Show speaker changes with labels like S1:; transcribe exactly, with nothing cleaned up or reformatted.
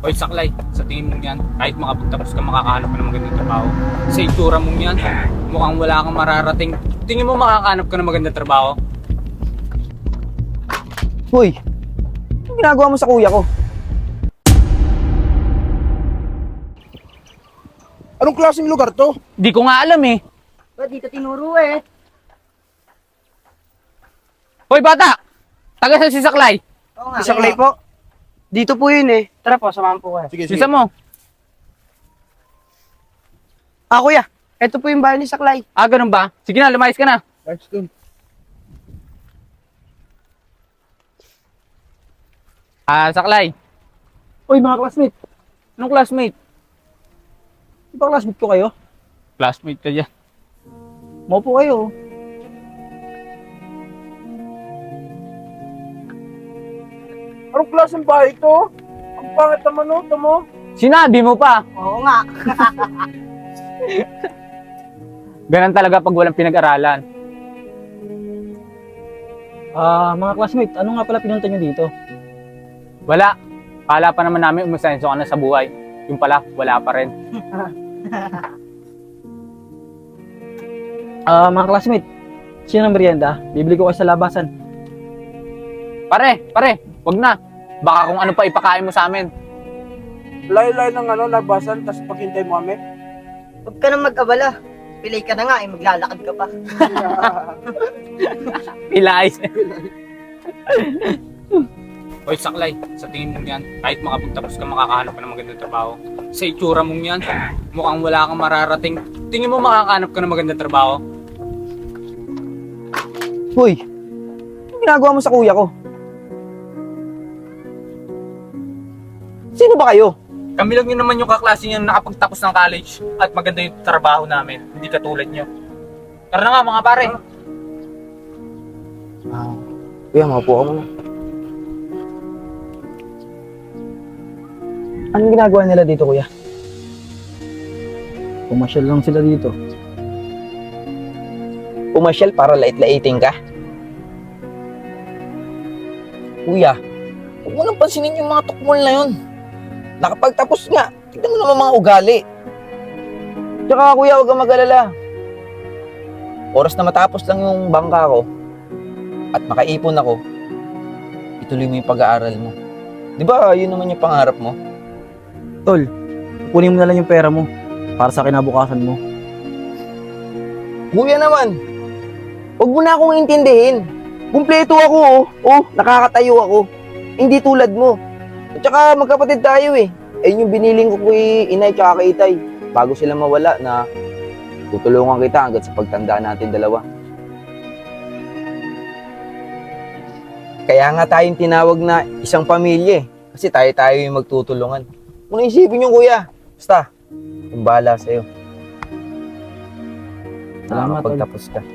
S1: Hoy saklay, sa tingin mo yan, kahit makapagtapos ka makakahanap ka ng magandang trabaho. Sa itsura mong yan, mukhang wala kang mararating. Tingin mo makakahanap ka ng magandang trabaho?
S2: Hoy, anong ginagawa mo sa kuya ko?
S3: Anong klaseng lugar to?
S1: Di ko nga alam eh.
S4: Ba, dito tinuro eh.
S1: Hoy bata! Taga sa si Saklay.
S4: Oo nga.
S2: Isang lay po. Dito po yun eh. Tara po, samahan po kayo.
S3: Sige, sige.
S1: Bisa mo.
S2: Ah, kuya, eto po yung bahay ni Saklay.
S1: Ah, ganun ba? Sige na, lumayas ka na.
S3: Ayos dun.
S1: Ah, Saklay.
S2: Hoy, mga classmate.
S1: Anong classmate?
S2: Di ba classmate ko kayo?
S1: Classmate ka dyan.
S2: Maupo kayo.
S3: Anong klaseng bahay to? Ang pangit naman no, ito mo.
S1: Sinabi mo pa.
S4: Oo nga.
S1: Ganun talaga pag walang pinag-aralan.
S2: Ah, mga classmate, ano nga pala pinunta nyo dito?
S1: Wala. Kala pa naman namin umasenso ka na sa buhay. Yung pala, wala pa rin.
S2: Ah, mga classmate, sino ng merienda? Bibili ko kayo sa labasan.
S1: Pare, pare, wag na. Baka kung ano pa ipakain mo sa amin.
S3: Layo-layo ng ano, labasan, tapos paghintay mo kami.
S4: Huwag ka nang mag-abala. Pilay ka na nga eh, maglalakad ka pa.
S1: Pilay. Hoy Saklay, sa tingin mo yan, kahit makapagtapos ka makakahanap ka ng magandang trabaho. Sa itsura mong yan, mukhang wala kang mararating. Tingin mo makakahanap ka ng magandang trabaho?
S2: Hoy, anong ginagawa mo sa kuya ko? Sino ba kayo?
S1: Kami lang yun naman yung kaklase niya na nakapagtapos ng college at maganda yung trabaho namin, hindi katulad nyo. Tara na nga mga pare.
S2: Ah, kuya, maupo ka muna. Anong ginagawa nila dito, kuya?
S5: Pumasyal lang sila dito.
S2: Pumasyal para lait-laiting ka? Kuya, huwag mo nang pansinin yung mga tukmol na yun. Nakapagtapos nga, tignan mo naman mga ugali. Tsaka kuya, huwag kang mag-alala. Oras na matapos lang yung bangka ko at makaipon ako, ituloy mo yung pag-aaral mo. Di ba yun naman yung pangarap mo?
S5: Tol, kunin mo na lang yung pera mo para sa kinabukasan mo.
S2: Kuya naman, huwag mo na akong intindihin. Kumpleto ako, oh. Oh, nakakatayo ako. Hindi tulad mo. At saka magkapatid tayo eh. Ayun yung biniling ko kay inay tsaka kay itay. Bago sila mawala na tutulungan kita hanggang sa pagtanda natin dalawa. Kaya nga tayong tinawag na isang pamilya eh. Kasi tayo-tayo yung magtutulungan. Kung naisipin yung kuya, basta, kung bahala sa'yo.
S5: Salamat,
S2: Pagtapos ka.